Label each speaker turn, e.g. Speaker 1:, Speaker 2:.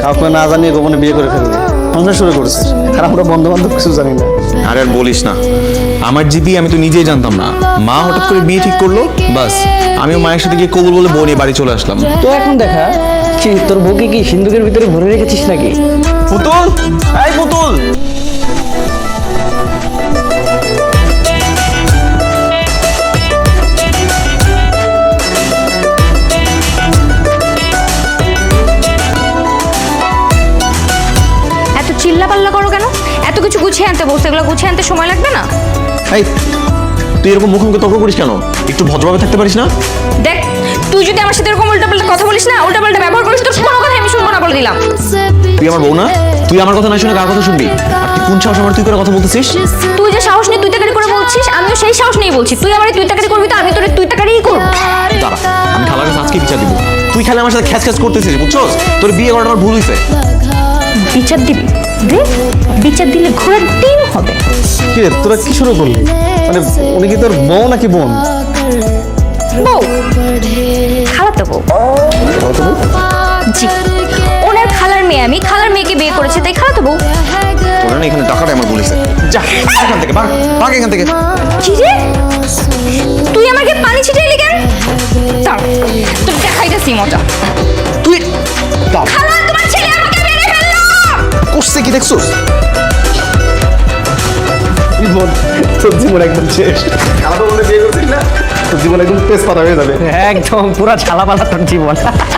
Speaker 1: কাউকে না জানিয়ে গোপনে বিয়ে করে ফেলবে সংসার শুরু করেছে, আর আমরা বন্ধু বান্ধব কিছু জানি না।
Speaker 2: আরে আর বলিস না, আমার জিবি আমি তো নিজেই জানতাম না। মা হঠাৎ করে বিয়ে ঠিক করলো, বাস আমিও মায়ের সাথে গিয়ে কবুল বলে বউ নিয়ে বাড়ি চলে আসলাম।
Speaker 3: তো এখন দেখা কি তোর বউকে কি সিন্ধুকের ভিতরে ভরে রেখেছিস নাকি?
Speaker 2: পুতুল, এই পুতুল,
Speaker 4: এত চিল্লাপাল্লা করো কেন? এত কিছু গুছিয়ে আনতে বসে, এগুলো গুছিয়ে আনতে সময় লাগবে না?
Speaker 2: এই তুই এরকম মুখোমুখি তর্ক করিস কেন? একটু ভদ্রভাবে থাকতে পারিস না?
Speaker 4: দেখ, তুই যদি আমার সাথে এরকম উল্টাপাল্টা কথা বলিস না, উল্টাপাল্টা ব্যবহার করিস, তোর কোনো কথা আমি শুনবো না বলে দিলাম।
Speaker 2: তুই আমার বউ না? তুই আমার কথা না শুনে কার কথা শুনবি? আর তুই কোন সাহস আমার তুই করে কথা বলতেছিস?
Speaker 4: তুই যে সাহস নিয়ে তুই তাকারি করে বলছিস, আমিও সেই সাহস নিয়েই বলছি। তুই আমার তুই তাকারি করবি তো আমি তোর তুই তাকারিই করব।
Speaker 2: দাঁড়া, আমি খালার কাছে আজকে বিচার দিব। তুই খালি আমার সাথে খ্যাচ খ্যাচ করতেছিস, বুঝছস? তোর বিয়ে করাটা আমার ভুল হয়েছে।
Speaker 4: বিচার দিবি? দে, বিচার দিলে ঘোড়ার ডিম হবে।
Speaker 1: কি রে, তোরা কি শুরু করলি? মানে উনি কি তোর বউ নাকি বোন?
Speaker 4: বউ, খালাতো বউ। জি, ওনার খালার মেয়ে, আমি খালার মেয়েকে বিয়ে করেছি, তাই খালাতো বউ।
Speaker 2: তোরা না এখানে টাকাটা আমার বলিস। যা এখান থেকে, ভাগ ভাগ এখান থেকে।
Speaker 4: কি রে, তুই আমাকে পানি ছিটাইলি কেন? দাঁড়া, তোর দেখাইতেছি মজা।
Speaker 2: তুই
Speaker 4: খালা, তোমার ছেলে আমাকে মেরে ফেললো।
Speaker 2: করছে কি দেখছস?
Speaker 1: জীবন, তোর জীবন একদম শেষ। খালাতো বলে বিয়ে করছিস না, তোর জীবন একদম তেজপাতা হয়ে যাবে।
Speaker 3: একদম পুরা ছালাপালা তোর জীবন।